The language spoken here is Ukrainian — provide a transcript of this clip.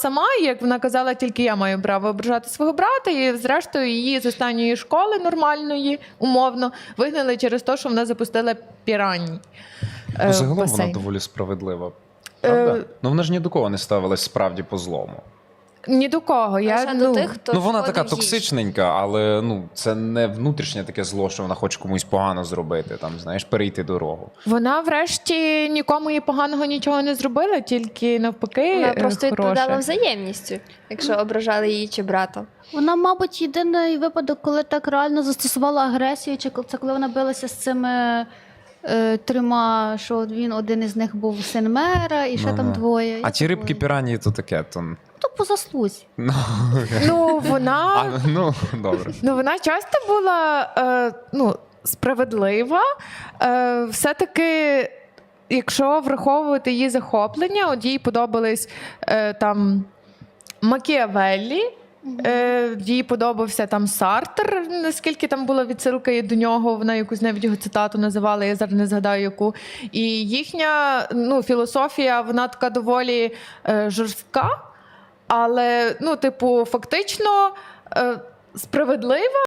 сама, і, як вона казала, тільки я маю право ображати свого брата, і зрештою її з останньої школи нормальної, умовно, вигнали через те, що вона запустила піраній. Ну, загалом вона басейн. доволі справедлива. Правда? Е, Ну вона ж ні до кого не ставилась справді по злому. Ні до кого. Лише до тих, хто Ну вона шкодив така їй. токсичненька, але ну це не внутрішнє таке зло, що вона хоче комусь погано зробити, там, знаєш, перейти дорогу. Вона врешті нікому їй поганого нічого не зробила, тільки навпаки Вона просто відповідала хороше. взаємністю, якщо ображали її чи брата. Вона, мабуть, єдиний випадок, коли так реально застосувала агресію, чи це коли вона билася з цими трьома, що він один із них був син мера, і ще Ну-ну. там двоє. А ті рибки пірані то таке, то. То по заслузі. Ну, Ну, вона... ну добре. Ну, вона часто була справедлива. Все-таки, якщо враховувати її захоплення, от їй подобались там Макіавеллі, їй подобався там Сартр, наскільки там була відсилка до нього, вона якусь навіть його цитату називала, я зараз не згадаю яку. І їхня філософія, вона така доволі жорстка, але, фактично справедлива.